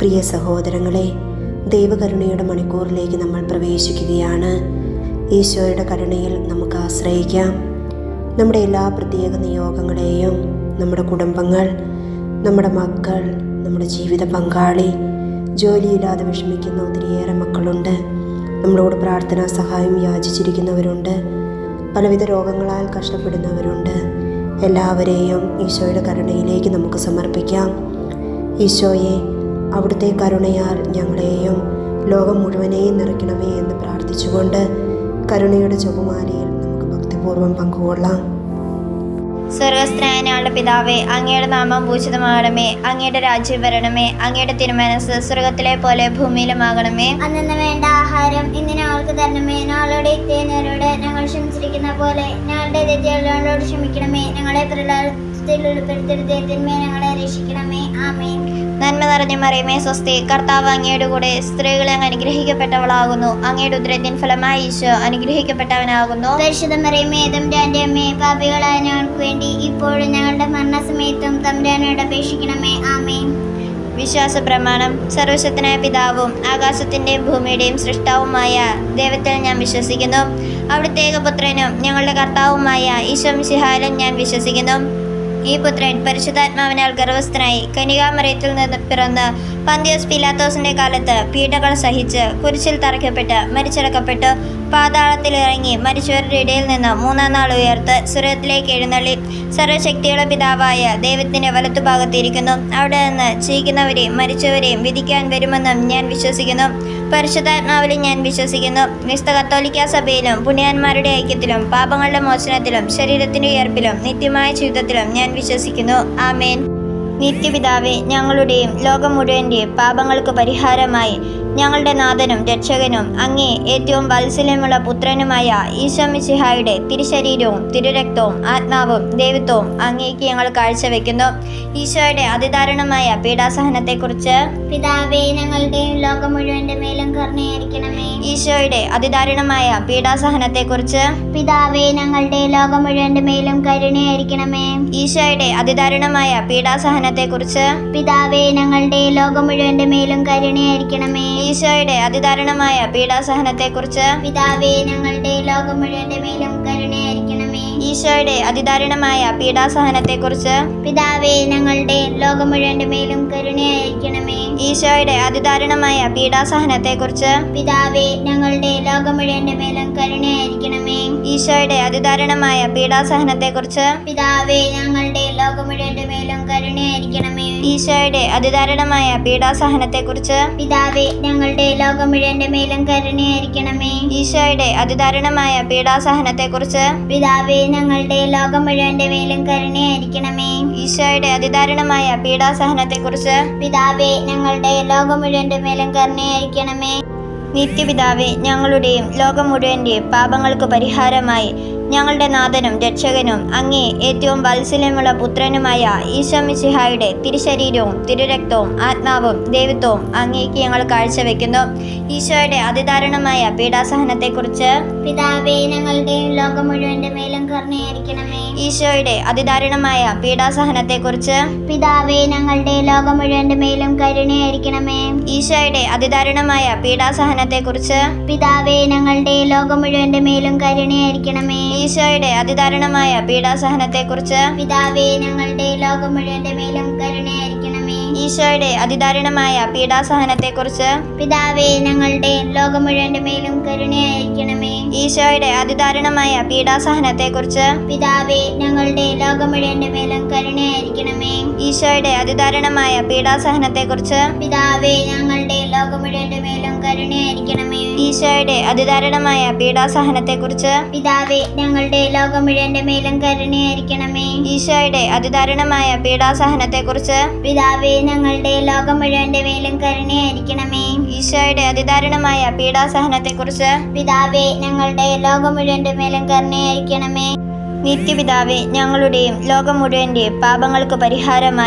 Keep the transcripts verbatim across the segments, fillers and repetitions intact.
പ്രിയ സഹോദരങ്ങളെ, ദൈവകരുണയുടെ മണിക്കൂറിലേക്ക് നമ്മൾ പ്രവേശിക്കുകയാണ്. ഈശോയുടെ കരുണയിൽ നമുക്ക് ആശ്രയിക്കാം. നമ്മുടെ എല്ലാ പ്രത്യേക നിയോഗങ്ങളെയും, നമ്മുടെ കുടുംബങ്ങൾ, നമ്മുടെ മക്കൾ, നമ്മുടെ ജീവിത പങ്കാളി, ജോലിയില്ലാതെ വിഷമിക്കുന്ന ഒത്തിരിയേറെ മക്കളുണ്ട്. നമ്മളോട് പ്രാർത്ഥനാ സഹായം യാചിച്ചിരിക്കുന്നവരുണ്ട്. പലവിധ രോഗങ്ങളാൽ കഷ്ടപ്പെടുന്നവരുണ്ട്. എല്ലാവരെയും ഈശോയുടെ കരുണയിലേക്ക് നമുക്ക് സമർപ്പിക്കാം. ഈശോയെ, അവിടുത്തെ കരുണയാൽ ഞങ്ങളെയും ലോകം മുഴുവനെയും നിറയ്ക്കണമേ എന്ന് പ്രാർത്ഥിച്ചുകൊണ്ട് കരുണയുടെ ജപമാലയിൽ നമുക്ക് ഭക്തിപൂർവ്വം പങ്കുകൊള്ളാം. സ്വർഗസ്ഥനായ ഞങ്ങളുടെ പിതാവേ, അങ്ങയുടെ നാമം പൂജിതമാകണമേ. അങ്ങയുടെ രാജ്യം വരണമേ. അങ്ങയുടെ തിരുമനസ് സ്വർഗത്തിലെ പോലെ ഭൂമിയിലുമാകണമേ. അന്നു വേണ്ട ആഹാരം ഇന്ന് ഞങ്ങൾക്ക് തരണമേ. ഞങ്ങളുടെ തെറ്റുകാരോട് ഞങ്ങൾ ക്ഷമിച്ചിരിക്കുന്ന പോലെ ഞങ്ങളുടെ തെറ്റുകളോട് ക്ഷമിക്കണമേ. ഞങ്ങളെ പ്രലോഭനത്തിൽ ഉൾപ്പെടുത്തരുതേ, തിന്മയെ ഞങ്ങളെ രക്ഷിക്കണമേ. ആമേൻ. നന്മ നിറഞ്ഞ മറിയമേ, സ്വസ്തി. കർത്താവ് അങ്ങയുടെ കൂടെ സ്ത്രീകളെ അങ്ങ് അനുഗ്രഹിക്കപ്പെട്ടവളാകുന്നു. അങ്ങയുടെ ഉദരത്തിൻ ഫലമായി ഈശോ അനുഗ്രഹിക്കപ്പെട്ടവനാകുന്നു. പരിശുദ്ധ മറിയമേ, തമ്പുരാന്റെ അമ്മേ, പാപികളായ ഞങ്ങൾക്ക് വേണ്ടി ഇപ്പോഴും ഞങ്ങളുടെ മരണസമയത്തും തമ്പുരാനോട് അപേക്ഷിക്കണമേ. ആമേൻ. വിശ്വാസ പ്രമാണം. സർവശക്തനായ പിതാവും ആകാശത്തിന്റെയും ഭൂമിയുടെയും സൃഷ്ടാവുമായ ദൈവത്തിൽ ഞാൻ വിശ്വസിക്കുന്നു. അവിടുത്തെ ഏകപുത്രനും ഞങ്ങളുടെ കർത്താവുമായ ഈശോ മിശിഹായിലും ഞാൻ വിശ്വസിക്കുന്നു. ഈ പുത്രൻ പരിശുദ്ധാത്മാവിനാൽ ഗർഭസ്ഥനായി കന്യകാമറിയത്തിൽ നിന്ന് പിറന്ന് പന്തിയോസ് പീലാത്തോസിന്റെ കാലത്ത് പീഡകൾ സഹിച്ച് കുരിശിൽ തറയ്ക്കപ്പെട്ട് മരിച്ചടക്കപ്പെട്ടു, പാതാളത്തിൽ ഇറങ്ങി മരിച്ചവരുടെ ഇടയിൽ നിന്ന് മൂന്നാം നാൾ ഉയർത്ത് സ്വർഗ്ഗത്തിലേക്ക് എഴുന്നള്ളി സർവശക്തിയുള്ള പിതാവായ ദൈവത്തിന്റെ വലത്തുഭാഗത്തിരിക്കുന്നു. അവിടെ നിന്ന് ജീവിക്കുന്നവരെയും മരിച്ചവരെയും വിധിക്കാൻ വരുമെന്നും ഞാൻ വിശ്വസിക്കുന്നു. പരിശുദ്ധാത്മാവിലും ഞാൻ വിശ്വസിക്കുന്നു. വിശുദ്ധ കത്തോലിക്കാ സഭയിലും പുണ്യാന്മാരുടെ ഐക്യത്തിലും പാപങ്ങളുടെ മോചനത്തിലും ശരീരത്തിന്റെ ഉയർപ്പിലും നിത്യമായ ജീവിതത്തിലും ഞാൻ വിശ്വസിക്കുന്നു. ആമേൻ. നിത്യപിതാവേ, ഞങ്ങളുടെയും ലോകം മുഴുവൻ്റെയും പാപങ്ങൾക്ക് പരിഹാരമായി ഞങ്ങളുടെ നാഥനും രക്ഷകനും അങ്ങേ ഏറ്റവും വാത്സല്യമുള്ള പുത്രനുമായ ഈശോ മിശിഹായുടെ തിരുശരീരവും തിരുരക്തവും ആത്മാവും ദൈവത്വവും അങ്ങേക്ക് ഞങ്ങൾ കാഴ്ചവെക്കുന്നു. ഈശോയുടെ അതിദാരുണമായ പീഡാസഹനത്തെക്കുറിച്ച് പിതാവേ, ഞങ്ങളുടെയും ലോകം മുഴുവന്റെ മേലും കരുണയായിരിക്കണമേ. ഈശോയുടെ അതിദാരുണമായ പീഡാസഹനത്തെക്കുറിച്ച് പിതാവേ, ഞങ്ങളുടെ ലോകം മുഴുവന്റെ മേലും കരുണയായിരിക്കണമേ. ഈശോയുടെ അതിദാരുണമായ പീഡാസഹനത്തെക്കുറിച്ച് പിതാവേ, ഞങ്ങളുടെ ലോകം മുഴുവന്റെ മേലും കരുണയായിരിക്കണമേ. ഈശോയുടെ അതിദാരുണമായ പീഡാസഹനത്തെക്കുറിച്ച് പിതാവേ, ഞങ്ങളുടെ ലോകം മുഴുവന്റെ മേലും കരുണയായിരിക്കണമേ. ഈശോയുടെ അതിദാരുണമായ പീഡാസഹനത്തെക്കുറിച്ച് പിതാവേ, ഞങ്ങളുടെ ലോകം മുഴുവന്റെ മേലും കരുണയായിരിക്കണമേ. ഈശോയുടെ അതിദാരുണമായ പീഡാസഹനത്തെക്കുറിച്ച് പിതാവേ, ഞങ്ങളുടെ ലോകം മുഴുവന്റെ മേലും കരുണയായിരിക്കണമേ. ഈശോയുടെ അതിദാരുണമായ പീഡാസഹനത്തെക്കുറിച്ച് പിതാവേ, ഞങ്ങളുടെ ലോകം മുഴുവന്റെ മേലും കരുണയായിരിക്കണമേ. ഈശോയുടെ അതിദാരുണമായ പീഡാസഹനത്തെക്കുറിച്ച് പിതാവേ, ഞങ്ങളുടെ ലോകം മുഴുവന്റെ മേലും കരുണയായിരിക്കണമേ. ഈശോയുടെ അതിദാരുണമായ പീഡാസഹനത്തെക്കുറിച്ച് പിതാവേ, ഞങ്ങളുടെ ലോകം മുഴുവന്റെ മേലും കരുണയായിരിക്കണമേ. ഈശോയുടെ അതിദാരുണമായ പീഡാസഹനത്തെക്കുറിച്ച് പിതാവേ, ഞങ്ങളുടെ ലോകം മുഴുവന്റെ മേലും കരുണയായിരിക്കണമേ. നിത്യപിതാവേ, ഞങ്ങളുടെയും ലോകം മുഴുവൻ്റെയും പാപങ്ങൾക്ക് പരിഹാരമായി ഞങ്ങളുടെ നാഥനും രക്ഷകനും അങ്ങേ ഏറ്റവും വാത്സല്യമുള്ള പുത്രനുമായ ഈശോ മിശിഹായുടെ തിരുശരീരവും തിരുരക്തവും ആത്മാവും ദൈവത്വവും അങ്ങേക്ക് ഞങ്ങൾ കാഴ്ചവെക്കുന്നു. ഈശോയുടെ അതിദാരുണമായ പീഡാസഹനത്തെക്കുറിച്ച് പിതാവേ, ഞങ്ങളുടെയും ലോകം മുഴുവന്റെ മേലും കരുണയായിരിക്കണമേ. ഈശോയുടെ അതിദാരുണമായ പീഡാസഹനത്തെക്കുറിച്ച് പിതാവേ, ഞങ്ങളുടെ ലോകം മുഴുവന്റെ മേലും കരുണയായിരിക്കണമേ. ഈശോയുടെ അതിദാരുണമായ പീഡാസഹനത്തെക്കുറിച്ച് പിതാവേ, ഞങ്ങളുടെ ലോകം മുഴുവന്റെ മേലും കരുണയായിരിക്കണമേ. ഈശോയുടെ അതിദാരുണമായ പീഡാസഹനത്തെക്കുറിച്ച് പിതാവേ, ഞങ്ങളുടെ ലോകം മുഴുവന്റെ മേലും കരുണയായിരിക്കണമേ. ഈശോയുടെ അതിദാരുണമായ പീഡാസഹനത്തെക്കുറിച്ച് പിതാവേ, ഞങ്ങളുടെ ലോകം മുഴുവന്റെ മേലും കരുണയായിരിക്കണമേ. ഈശോയുടെ അതിദാരുണമായ പീഡാസഹനത്തെക്കുറിച്ച് പിതാവേ, ഞങ്ങളുടെ ലോകം മുഴുവന്റെ മേലും കരുണയായിരിക്കണമേ. ഈശോയുടെ അതിദാരുണമായ പീഡാസഹനത്തെക്കുറിച്ച് പിതാവേ, ഞങ്ങളുടെ ലോകം മുഴുവന്റെ മേലും കരുണയായിരിക്കണമേ. ഈശോയുടെ അതിദാരുണമായ പീഡാസഹനത്തെക്കുറിച്ച് പിതാവേ, ഞങ്ങളുടെ ലോകം മുഴുവന്റെ മേലും കരുണയായിരിക്കണമേ. ഈശോയുടെ അതിദാരുണമായ പീഡാസഹനത്തെക്കുറിച്ച് പിതാവേ, ഞങ്ങളുടെ ലോകം മുഴുവന്റെ മേലും കരുണയായിരിക്കണമേ. ഈശോയുടെ അതിദാരുണമായ പീഡാസഹനത്തെക്കുറിച്ച് പിതാവേ, ഞങ്ങളുടെ ലോകം മുഴുവന്റെ മേലും കരുണയായിരിക്കണമേ. നിത്യപിതാവേ, ഞങ്ങളുടെയും ലോകം മുഴുവൻ്റെയും പാപങ്ങൾക്ക് പരിഹാരമായി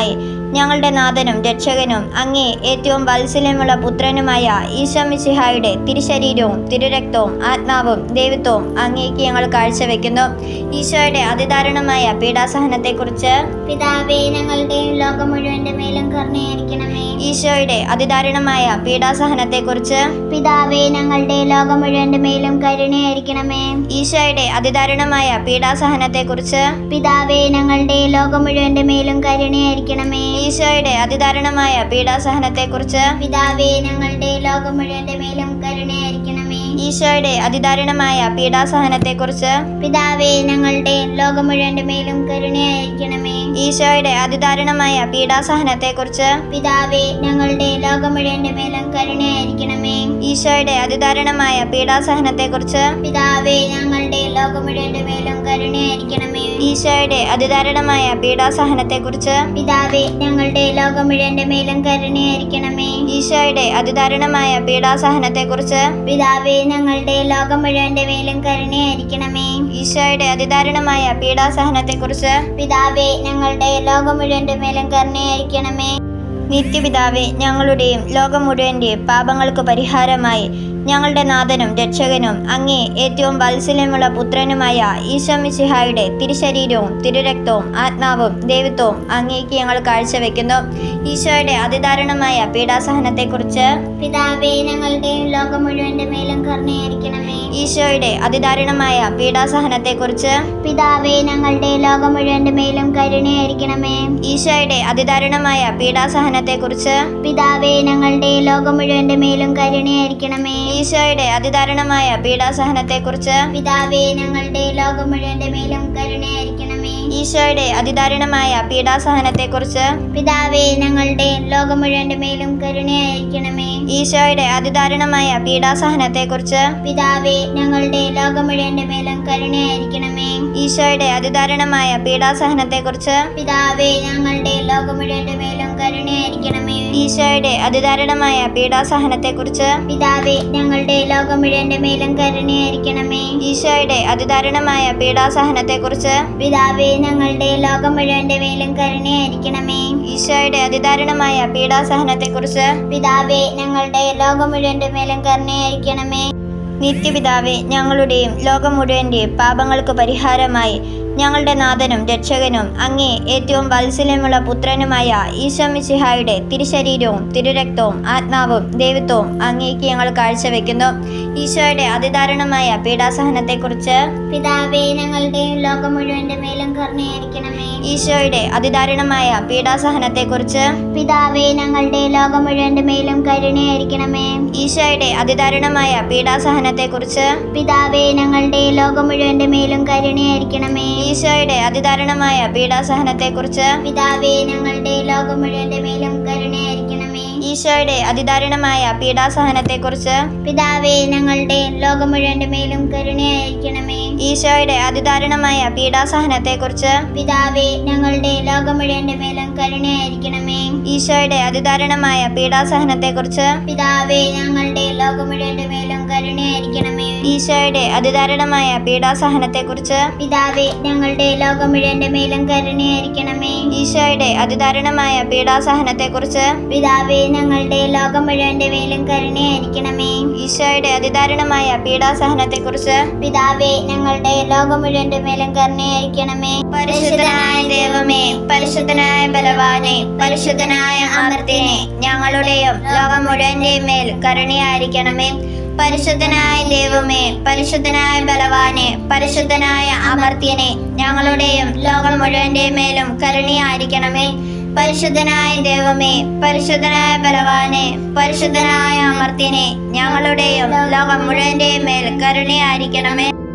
ഞങ്ങളുടെ നാഥനും രക്ഷകനും അങ്ങേ ഏറ്റവും വാത്സല്യമുള്ള പുത്രനുമായ ഈശോ മിശിഹായുടെ തിരുശരീരവും തിരുരക്തവും ആത്മാവും ദൈവത്വവും അങ്ങേക്ക് ഞങ്ങൾ കാഴ്ചവെക്കുന്നു. ഈശോയുടെ അതിദാരുണമായ പീഡാസഹനത്തെക്കുറിച്ച് പിതാവേ ഞങ്ങളുടെയും ലോകം മുഴുവന്റെ മേലും കരുണയായിരിക്കണമേ. ഈശോയുടെ അതിദാരുണമായ പീഡാസഹനത്തെക്കുറിച്ച് പിതാവേ ഞങ്ങളുടെ ലോകം മുഴുവന്റെ മേലും കരുണയായിരിക്കണമേ. ഈശോയുടെ അതിദാരുണമായ പീഡാസഹനത്തെക്കുറിച്ച് പിതാവേ ഞങ്ങളുടെ ലോകം മുഴുവന്റെ മേലും കരുണയായിരിക്കണമേ. ഈശോയുടെ അതിദാരുണമായ പീഡാസഹനത്തെക്കുറിച്ച് പിതാവേ ഞങ്ങളുടെ ലോകം മുഴുവന്റെ മേലും കരുണയായിരിക്കണമേ. ഈശോയുടെ അതിദാരുണമായ പീഡാസഹനത്തെക്കുറിച്ച് പിതാവേ ഞങ്ങളുടെ ലോകം മുഴുവന്റെ മേലും കരുണയായിരിക്കണമേ. ഈശോയുടെ അതിദാരുണമായ പീഡാസഹനത്തെക്കുറിച്ച് പിതാവേ ഞങ്ങളുടെ ലോകം മുഴുവന്റെ മേലും കരുണയായിരിക്കണമേ. ഈശോയുടെ അതിദാരുണമായ പീഡാസഹനത്തെക്കുറിച്ച് പിതാവേ ഞങ്ങളുടെ ലോകം മുഴുവന്റെ മേലും കരുണയായിരിക്കണമേ. ഈശോയുടെ അതിദാരുണമായ പീഡാസഹനത്തെക്കുറിച്ച് പിതാവേ ഞങ്ങളുടെ ലോകം മുഴുവന്റെ മേലും കരുണയായിരിക്കണമേ. ഈശോയുടെ അതിദാരുണമായ പീഡാസഹനത്തെക്കുറിച്ച് പിതാവേ ഞങ്ങളുടെ ലോകം മുഴുവന്റെ മേലും കരുണയായിരിക്കണമേ. ഈശോയുടെ അതിദാരുണമായ പീഡാസഹനത്തെക്കുറിച്ച് പിതാവേ ഞങ്ങളുടെ ലോകം മുഴുവന്റെ മേലും കരുണയായിരിക്കണമേ. നിത്യപിതാവേ, ഞങ്ങളുടെയും ലോകം മുഴുവൻ്റെയും പാപങ്ങൾക്ക് പരിഹാരമായി ഞങ്ങളുടെ നാഥനും രക്ഷകനും അങ്ങേ ഏറ്റവും വാത്സല്യമുള്ള പുത്രനുമായ ഈശോ മിശിഹായുടെ തിരുശരീരവും തിരുരക്തവും ആത്മാവും ദൈവത്വവും അങ്ങേക്ക് ഞങ്ങൾ കാഴ്ചവെക്കുന്നു. ഈശോയുടെ അതിദാരുണമായ പീഡാസഹനത്തെക്കുറിച്ച് പിതാവേ ഞങ്ങളുടെയും ലോകം മുഴുവന്റെ മേലും കരുണയായിരിക്കണമേ. ഈശോയുടെ അതിദാരുണമായ പീഡാസഹനത്തെക്കുറിച്ച് പിതാവേ ഞങ്ങളുടെ ലോകം മുഴുവന്റെ മേലും കരുണയായിരിക്കണമേ. ഈശോയുടെ അതിദാരുണമായ പീഡാസഹനത്തെക്കുറിച്ച് പിതാവേ ഞങ്ങളുടെ ലോകം മുഴുവന്റെ മേലും കരുണയായിരിക്കണമേ. ഈശോയുടെ അതിദാരുണമായ പീഡാസഹനത്തെക്കുറിച്ച് പിതാവേ ഞങ്ങളുടെ ലോകം മുഴുവന്റെ മേലും കരുണയായിരിക്കണമേ. ഈശോയുടെ അതിദാരുണമായ പീഡാസഹനത്തെക്കുറിച്ച് പിതാവേ ഞങ്ങളുടെ ലോകം മുഴുവന്റെ മേലും കരുണയായിരിക്കണമേ. ഈശോയുടെ അതിദാരുണമായ പീഡാസഹനത്തെക്കുറിച്ച് പിതാവേ ഞങ്ങളുടെ ലോകം മുഴുവന്റെ മേലും കരുണയായിരിക്കണമേ. ഈശോയുടെ അതിദാരുണമായ പീഡാസഹനത്തെക്കുറിച്ച് പിതാവേ ഞങ്ങളുടെ ലോകം മുഴുവന്റെ മേലും കരുണയായിരിക്കണമേ. ഈശോയുടെ അതിദാരുണമായ പീഡാസഹനത്തെക്കുറിച്ച് പിതാവേ ഞങ്ങളുടെ ലോകം മുഴുവന്റെ മേലും കരുണയായിരിക്കണമേ. ഈശോയുടെ അതിദാരുണമായ പീഡാസഹനത്തെക്കുറിച്ച് പിതാവേ ഞങ്ങളുടെ ലോകം മുഴുവന്റെ മേലും കരുണയായിരിക്കണമേ. ഈശോയുടെ അതിദാരുണമായ പീഡാസഹനത്തെക്കുറിച്ച് പിതാവേ ഞങ്ങളുടെ ലോകം മുഴുവന്റെ മേലും കരുണയായിരിക്കണമേ. നിത്യപിതാവേ, ഞങ്ങളുടെയും ലോകം മുഴുവൻ്റെയും പാപങ്ങൾക്ക് പരിഹാരമായി ഞങ്ങളുടെ നാഥനും രക്ഷകനും അങ്ങേ ഏറ്റവും വാത്സല്യമുള്ള പുത്രനുമായ ഈശോ മിശിഹായുടെ തിരുശരീരവും തിരുരക്തവും ആത്മാവും ദൈവത്വവും അങ്ങേക്ക് ഞങ്ങൾ കാഴ്ചവെക്കുന്നു. ഈശോയുടെ അതിദാരുണമായ പീഡാസഹനത്തെക്കുറിച്ച് പിതാവേ ഞങ്ങളുടെ ലോകം മുഴുവന്റെ മേലും കരുണയായിരിക്കണമേ. ഈശോയുടെ അതിദാരുണമായ പീഡാസഹനത്തെക്കുറിച്ച് പിതാവേ ഞങ്ങളുടെ ലോകം മുഴുവന്റെ മേലും കരുണയായിരിക്കണമേ. ഈശോയുടെ അതിദാരുണമായ പീഡാസഹനത്തെക്കുറിച്ച് പിതാവേ ഞങ്ങളുടെ ലോകം മുഴുവന്റെ മേലും കരുണയായിരിക്കണമേ. ഈശോയുടെ അതിദാരുണമായ പീഡാസഹനത്തെക്കുറിച്ച് പിതാവേ ഞങ്ങളുടെ ലോകം മുഴുവന്റെ മേലും കരുണയായിരിക്കണമേ. ഈശോയുടെ അതിദാരുണമായ പീഡാസഹനത്തെക്കുറിച്ച് പിതാവേ ഞങ്ങളുടെ ലോകം മുഴുവന്റെ മേലും കരുണയായിരിക്കണമേ. ഈശോയുടെ അതിദാരുണമായ പീഡാസഹനത്തെക്കുറിച്ച് പിതാവേ ഞങ്ങളുടെ ലോകം മുഴുവന്റെ മേലും കരുണയായിരിക്കണമേ. ഈശോയുടെ അതിദാരുണമായ പീഡാസഹനത്തെക്കുറിച്ച് പിതാവേ ഞങ്ങളുടെ ലോകം മുഴുവന്റെ മേലും കരുണയായിരിക്കണമേ. ഈശോയുടെ അതിദാരുണമായ പീഡാസഹനത്തെക്കുറിച്ച് പിതാവേ ഞങ്ങളുടെ ലോകം മുഴുവന്റെ മേലും കരുണയായിരിക്കണമേ. ഈശോയുടെ അതിദാരുണമായ പീഡാസഹനത്തെക്കുറിച്ച് പിതാവേ ഞങ്ങളുടെ ലോകം മുഴുവന്റെ മേലും കരുണയായിരിക്കണമേ. ഈശോയുടെ അതിദാരുണമായ പീഡാസഹനത്തെക്കുറിച്ച് പിതാവേ ഞങ്ങളുടെ ലോകം മുഴുവന്റെ മേലും കരുണയായിരിക്കണമേ. പരിശുദ്ധനായ ദൈവമേ, പരിശുദ്ധനായ ബലവാനെ, പരിശുദ്ധനായ അമർത്യനെ, ഞങ്ങളുടെയും ലോകം മുഴുവന്റെയും മേൽ കരുണയായിരിക്കണമേ. പരിശുദ്ധനായ ദൈവമേ, പരിശുദ്ധനായ ബലവാനെ, പരിശുദ്ധനായ അമർത്യനെ, ഞങ്ങളുടെയും ലോകം മുഴുവന്റെയും മേലും കരുണയായിരിക്കണമേ. പരിശുദ്ധനായ ദൈവമേ, പരിശുദ്ധനായ ബലവാനെ, പരിശുദ്ധനായ അമർത്യനെ, ഞങ്ങളുടെയും ലോകം മുഴുവന്റെയും മേൽ കരുണയായിരിക്കണമേ.